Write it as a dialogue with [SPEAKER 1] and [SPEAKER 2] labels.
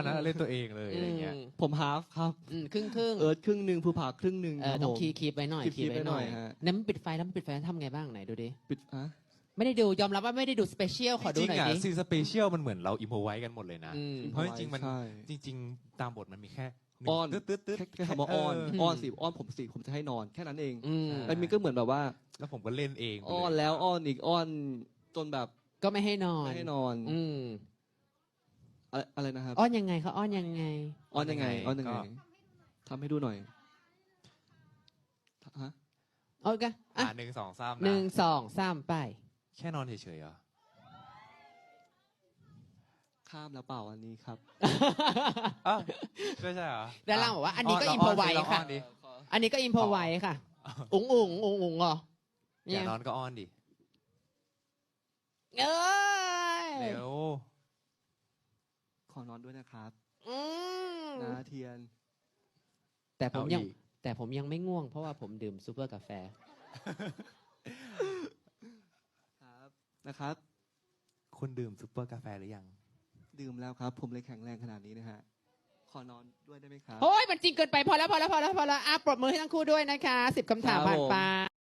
[SPEAKER 1] อันนั้นเล่นตัวเองเลยอะไรเงี้ย
[SPEAKER 2] ผมฮาฟครับ
[SPEAKER 3] ครึ่ง
[SPEAKER 2] เอิร์ธครึ่งหนึ่งภูผาครึ่งหนึ่งครับ
[SPEAKER 3] ต้อง
[SPEAKER 2] ผม
[SPEAKER 3] คีบไว้หน่อย
[SPEAKER 2] คีบไว้หน่อยฮะ
[SPEAKER 3] นั้นมันปิดไฟแล้วมันปิดไฟแล้วทำไงบ้างไหนดูดิ
[SPEAKER 2] ปิด
[SPEAKER 3] ไม่ได้ดูยอมรับว่าไม่ได้ดูสเปเชียลขอดูหน่อยดิ
[SPEAKER 1] ซีนสเปเชียลมันเหมือนเราอิมพอไว้กันหมดเลยนะ เพราะจริงๆมัน
[SPEAKER 2] ใช่
[SPEAKER 1] จริงๆตามบทมันมีแค่หง
[SPEAKER 2] อ้อน
[SPEAKER 1] ตึ๊ด
[SPEAKER 2] แค่คำว่าอ้อนอ้อนสิอ้อนผมสิผมจะให้นอนแค่นั้นเอง
[SPEAKER 3] อืม
[SPEAKER 2] แล้วมินก็เหมือนแบบว่า
[SPEAKER 1] แล้วผมก็เล่นเองไปเลย
[SPEAKER 2] อ้อนแล้วอ้อนอีกอ้อนจนแบบ
[SPEAKER 3] ก็ไม่ให้นอน
[SPEAKER 2] ไม่ให้นอน
[SPEAKER 3] อืม
[SPEAKER 2] อะไรนะครับ
[SPEAKER 3] อ้อนยังไงเขาอ้อนยังไง
[SPEAKER 2] อ้อนยังไงอ้อนยังไงทำให้ดูหน่อยฮะ
[SPEAKER 3] โอเคอ่ะ
[SPEAKER 1] 1 2 3
[SPEAKER 3] 1 2 3ไป
[SPEAKER 1] แค่นอนเฉยๆเหรอ
[SPEAKER 2] ข้ามแล้วเปล่าอันนี้ครับ
[SPEAKER 1] อ้าวไม่ใช่เหรอ
[SPEAKER 3] ด้านล่างบอกว่าอันนี้ก็อิมพอไว้ค่ะ อันนี้ก็อิมพอไว้ค่ะ อุ๋งเหรอ
[SPEAKER 1] อย่านอนก็อ้อนดิ
[SPEAKER 3] เอ้ย
[SPEAKER 1] เร็ว
[SPEAKER 2] ขอนอนด้วยนะครับ
[SPEAKER 3] อืม
[SPEAKER 2] นาเทียน
[SPEAKER 3] แต่ผมยัง
[SPEAKER 1] เอาอีก
[SPEAKER 3] แต่ผมยังไม่ง่วงเพราะว่าผมดื่มซูเปอร์กาแฟ
[SPEAKER 2] ครับนะครับ
[SPEAKER 1] คุณดื่มซุปเปอร์กาแฟหรือยัง
[SPEAKER 2] ดื่มแล้วครับ ผมเลยแข็งแรงขนาดนี้นะฮะขอนอนด้วยได้ไหมครับ
[SPEAKER 3] โอ้ยมันจริงเกินไปพอแล้วอ่ะปรบมือให้ทั้งคู่ด้วยนะคะ10 คำถามผ่านไป